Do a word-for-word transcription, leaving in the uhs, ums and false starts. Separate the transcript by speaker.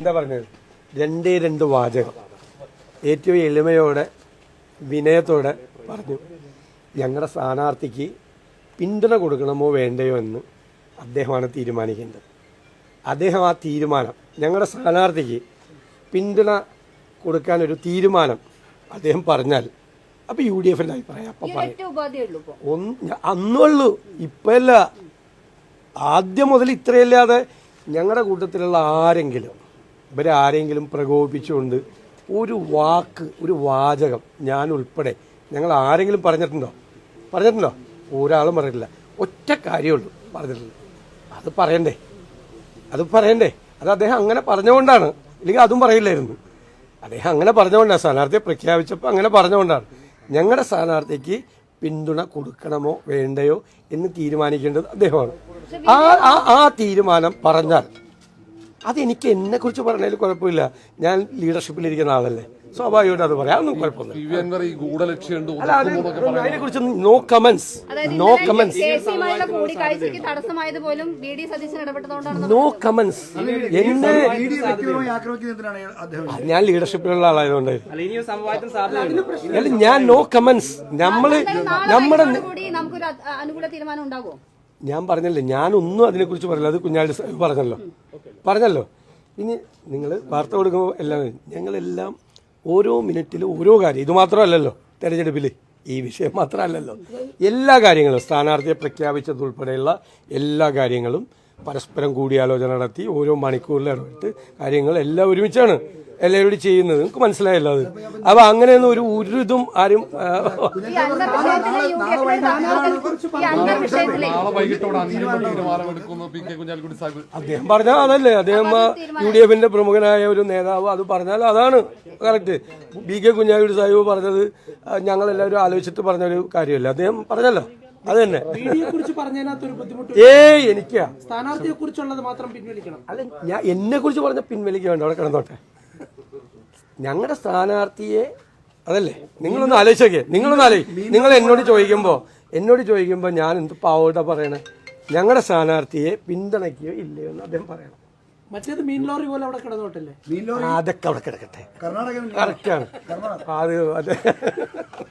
Speaker 1: എന്താ പറഞ്ഞത്, രണ്ടേ രണ്ട് വാചകം ഏറ്റവും എളിമയോടെ വിനയത്തോടെ പറഞ്ഞു. ഞങ്ങളുടെ സ്ഥാനാർത്ഥിക്ക് പിന്തുണ കൊടുക്കണമോ വേണ്ടയോ എന്ന് അദ്ദേഹമാണ് തീരുമാനിക്കേണ്ടത്. അദ്ദേഹം ആ തീരുമാനം, ഞങ്ങളുടെ സ്ഥാനാർത്ഥിക്ക് പിന്തുണ കൊടുക്കാനൊരു തീരുമാനം അദ്ദേഹം പറഞ്ഞാൽ അപ്പോൾ യു ഡി എഫിൻ്റെ അഭിപ്രായം അപ്പം പറയും. ഒന്ന് അന്നുള്ളൂ, ഇപ്പല്ല. ആദ്യം മുതൽ ഇത്രയല്ലാതെ ഞങ്ങളുടെ കൂട്ടത്തിലുള്ള ആരെങ്കിലും ഇവരാരെങ്കിലും പ്രകോപിപ്പിച്ചുകൊണ്ട് ഒരു വാക്ക്, ഒരു വാചകം ഞാൻ ഉൾപ്പെടെ ഞങ്ങൾ ആരെങ്കിലും പറഞ്ഞിട്ടുണ്ടോ? പറഞ്ഞിട്ടുണ്ടോ? ഒരാളും പറഞ്ഞിട്ടില്ല. ഒറ്റ കാര്യമുള്ളൂ പറഞ്ഞിട്ടുള്ളൂ. അത് പറയണ്ടേ, അത് പറയണ്ടേ. അത് അദ്ദേഹം അങ്ങനെ പറഞ്ഞുകൊണ്ടാണ്, ഇല്ലെങ്കിൽ അതും പറയില്ലായിരുന്നു. അദ്ദേഹം അങ്ങനെ പറഞ്ഞുകൊണ്ടാണ്, സ്ഥാനാർത്ഥിയെ പ്രഖ്യാപിച്ചപ്പോൾ അങ്ങനെ പറഞ്ഞുകൊണ്ടാണ്. ഞങ്ങളുടെ സ്ഥാനാർത്ഥിക്ക് പിന്തുണ കൊടുക്കണമോ വേണ്ടയോ എന്ന് തീരുമാനിക്കേണ്ടത് അദ്ദേഹമാണ്. ആ ആ തീരുമാനം പറഞ്ഞാൽ അതെനിക്ക് എന്നെക്കുറിച്ച് പറഞ്ഞതിൽ കുഴപ്പമില്ല. ഞാൻ ലീഡർഷിപ്പിലിരിക്കുന്ന ആളല്ലേ, സ്വാഭാവികമായിട്ട് അത് പറയാം, ഒന്നും കുഴപ്പമില്ല. അതിനെക്കുറിച്ച് no comments, no comments, no comments. എന്നെ ഞാൻ ലീഡർഷിപ്പിലുള്ള ആളായതുകൊണ്ട് ഞാൻ നോ കമന്റ്സ്. നമ്മള് നമ്മുടെ ഞാൻ പറഞ്ഞല്ലേ, ഞാനൊന്നും അതിനെക്കുറിച്ച് പറയില്ല. അത് കുഞ്ഞാലി പറഞ്ഞല്ലോ പറഞ്ഞല്ലോ ഇനി നിങ്ങൾ വാർത്ത കൊടുക്കുമ്പോൾ എല്ലാം ഞങ്ങളെല്ലാം ഓരോ മിനിറ്റിലും ഓരോ കാര്യം, ഇത് മാത്രമല്ലല്ലോ തെരഞ്ഞെടുപ്പിൽ, ഈ വിഷയം മാത്രമല്ലല്ലോ, എല്ലാ കാര്യങ്ങളും സ്ഥാനാർത്ഥിയെ പ്രഖ്യാപിച്ചതുൾപ്പെടെയുള്ള എല്ലാ കാര്യങ്ങളും പരസ്പരം കൂടിയാലോചന നടത്തി ഓരോ മണിക്കൂറിൽ ഇടപെട്ട് കാര്യങ്ങൾ എല്ലാം ഒരുമിച്ചാണ് എല്ലാവരോടും ചെയ്യുന്നത്. നിങ്ങൾക്ക് മനസ്സിലായല്ലോ അത്. അപ്പൊ അങ്ങനെയൊന്നും ഒരു ഒരു ഇതും ആരും അദ്ദേഹം പറഞ്ഞാൽ അതല്ലേ, അദ്ദേഹം യു ഡി എഫിന്റെ പ്രമുഖനായ ഒരു നേതാവ് അത് പറഞ്ഞാൽ അതാണ് correct. B K Kunhalikutty Sahib പറഞ്ഞത് ഞങ്ങളെല്ലാവരും ആലോചിച്ചിട്ട് പറഞ്ഞൊരു കാര്യമല്ല, അദ്ദേഹം പറഞ്ഞല്ലോ. അത് തന്നെ. ഏയ് എനിക്കാ
Speaker 2: സ്ഥാനാർത്ഥിയെ കുറിച്ചുള്ളത് മാത്രം പിൻവലിക്കണം.
Speaker 1: അല്ല, ഞാൻ എന്നെ കുറിച്ച് പറഞ്ഞ പിൻവലിക്കുക വേണ്ട, അവിടെ കിടന്നോട്ടെ. ഞങ്ങളുടെ സ്ഥാനാർത്ഥിയെ അതല്ലേ, നിങ്ങളൊന്ന് ആലോചിച്ചോക്കെ, നിങ്ങളൊന്ന് ആലോചിക്കും. നിങ്ങൾ എന്നോട് ചോദിക്കുമ്പോൾ എന്നോട് ചോദിക്കുമ്പോൾ ഞാൻ എന്ത് പാവോട്ടാ പറയണേ, ഞങ്ങളുടെ സ്ഥാനാർത്ഥിയെ പിന്തുണയ്ക്കുകയോ ഇല്ലയോ എന്ന് അദ്ദേഹം പറയണം.
Speaker 2: മറ്റേത് മീൻ ലോറി പോലെ അവിടെ കിടന്നോട്ടല്ലേ,
Speaker 1: അതൊക്കെ അവിടെ കിടക്കട്ടെ, കറക്റ്റാണ് അത് അതെ.